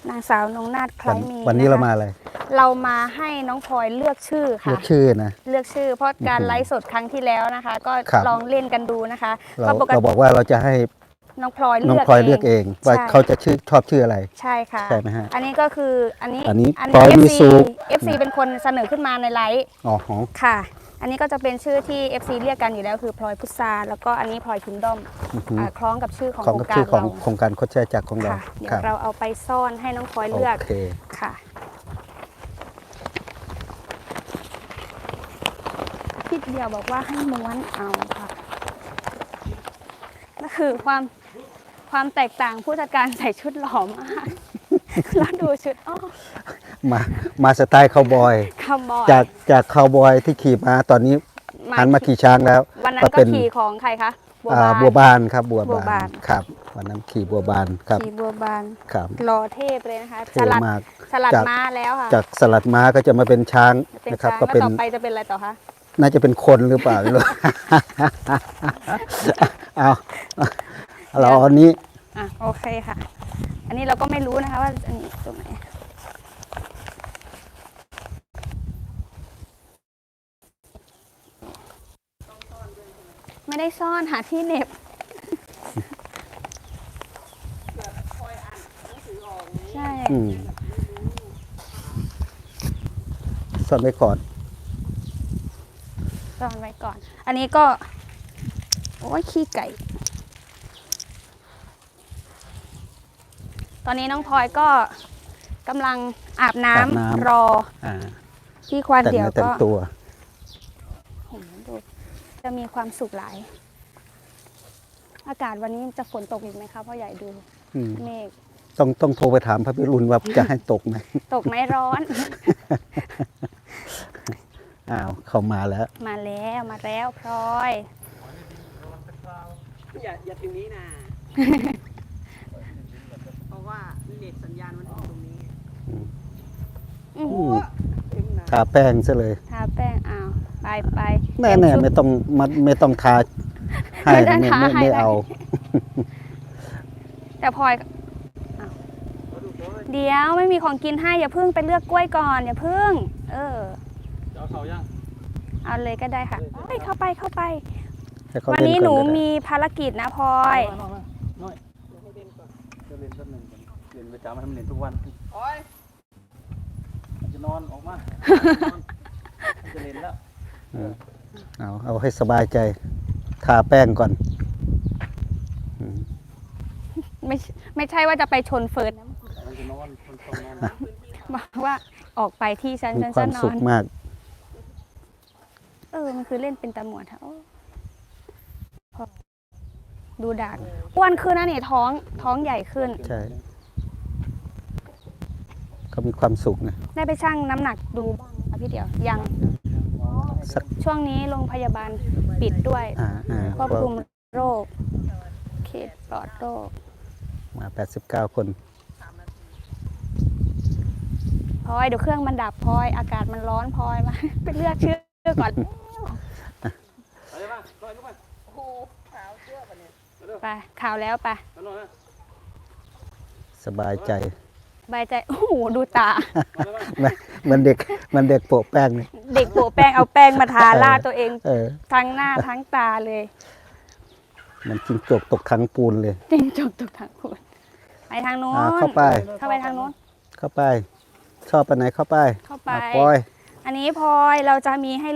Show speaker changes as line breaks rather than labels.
นางสาวนงนาถคล้ายมี
วันนี้เรามาอะไร
เรามาให้น้องพลอยเลือกชื่อค่ะ
เลือกชื่อนะ
เลือกชื่อ เพราะการไลฟ์สดครั้งที่แล้วนะคะ ก็
ครับ
ลองเล่นกันดูนะคะ
เรา
ก็ปก
เรา
ติ
บอกว่าเราจะให้
น้องพลอย
น้อง
เลือก
พลอยเลือกเองว่า
ใช่
เขาจะชอบชื่ออะไร
ใช่ค่ะ
ใช่ไหมฮะ
อันนี้ก็คืออันนี้
อันนี้พลอยมีสุข
FC เป็นคนเสนอขึ้นมาในไลฟ์
อ๋อ
ค่ะ อันนี้ก็จะเป็นชื่อที่ FC เรียกกันอยู่แล้วคือพลอยพุทราแล้วก็อันนี้พลอยคิงดอมคล้องกับชื่อของ
ของ
โครง
กับ
การ
ชื่อของ
เรา
โครงการโคชแช่จักรของเรา
ค่ะ เดี๋ย
ครั
ว
บ
เราเอาไปซ่อนให้น้องพลอยเลือก
โอเค
ค่ะพี่เดียวบอกว่าให้ม้วนเอาค่ะก็คือความแตกต่างผู้จัดการใส่ชุดหล่อมากแล้วดูชุดอ้อ
มาสไตล์คาวบอย
คาวบอย
จากคาวบอยที่ขี่ม้าตอนนี้หันมาขี่ช้างแล้ว
วันนั้นก็ขี่ของใครคะ
บัวบานครับบัว
บัวบาน
ครับวันนั้นขี่บัวบานครับ
ขี่บัวบาน
ครับ
รอเทพเลยนะคะ
เท่มาก
สลัด
จาก
ม้าแล้วค่ะ
จากสลัดม้าก็จะมาเป็นช้าง
เป็น
นะครับ
ช้าง
ก็
แล้ว
เป็น
ต่อไปจะเป็นอะไรต่อคะ
น่าจะเป็นคนหรือเปล่าไม่รู้ เอาเราอันนี้
อ่ะโอเคค่ะ อันนี้เราก็ไม่รู้นะคะว่าอันนี้ตรงไหนไม่ได้ซ่อนหาที่เหน็บใช่
ซ่อนไว้ก่อน
ซ่อนไว้ก่อน อันนี้ก็โอ้ยขี้ไก่ ตอนนี้น้องพลอยก็กำลังอาบน้ำรอ
อ่า
พี่ควาน
แต่ง
เดี่ยว
เนื้อแต่ง
ก็
ตัว
โอ้โหดูจะมีความสุขหลาย อากาศวันนี้จะฝนตกอีกไหมคะพ่อใหญ่ดู
อืม
เมฆ
ต้องโทรไปถามพระพิรุณว่าจะให้ตกไหม
ตกไหมร้อน
อ้าวเข้ามาแล้ว
มาแล้วพลอย
อย่าถึงนี้นะ เพราะว่าเน็ตสัญญาณมันออกตรงนี้
อื้อ
อื
หือ
ม
เต็มนะ
ทาแป้งซะเลย
ทาแป้งอ้าวไป
แน่
เตรียมชุด
ไม่ต้องทาให้
ไม่ได้
ไม่
ทาให้
ไม่เอา
แต่พลอยอ้าวเดี๋ยวไม่มีของกินให้อย่าเพิ่งไปเลือกกล้วยก่อนอย่าเพิ่ง
จะเอาเขายัง
เอาเลยก็ได้ค่ะเข้าไป
ให้เขา
วันนี้
เล่
หนู
ก่อก็ได้
มีภารกิจนะพลอย
น้อยจะเล่นแป๊บหนึงก่อนเล่นประจำให้มันเล่นทุกวัน
โอ้ย
มันจะนอนออกมามันจะเล่นแล้ว
เอาให้สบายใจ ทาแป้งก่อนอืม
ไม่ใช่ว่าจะไปชนเฟิร์นนะ
มันจะนอนคนต้องนอน
บอกว่าออกไปที่ฉัน
มี
ฉัน
ควา
จะ
ม
นอ
สุข
น
มาก
มันคือเล่นเป็นตำรวจค่ะโอ้พอดูด่านอ้วนขึ้นนะนี่ท้องใหญ่ขึ้น
ใช่เขามีความสุขนะ
ได้ไปชั่งน้ำหนักดูบ้างไหมคะพี่เดียวยัง
สัก
ช่วงนี้โรงพยาบาลปิดด้วย ควบคุมโรคเขตปลอดโรค
มา89 คน
พลอยเดี๋ยวเครื่องมันดับพลอยอากาศมันร้อนพลอยมา ไปเลือกชื่อก่อน
เอาเลยป่ะลอยลูกป่ะ
ไปข่าวแล้วไป
เอาหน่อยนะ
สบายใจ
ใบายใจโอ้โหดูตา
มันเด็กโปะแป้งนี่
เด็กโปะแป้งเอาแป้งมาทาล่าตัวเอง
เออ
ทั้งหน้าทั้งตาเลย
มันจิงจกตกถังปูนเลย
จริงจบทุกทางคุณไปทางโน้น
เข้าไป
เข้าไปทางโน้น
เข้าไป ชอบไปไหนเข้าไป
เข้าไป
ปอย
อันนี้พลอยเราจะมีให้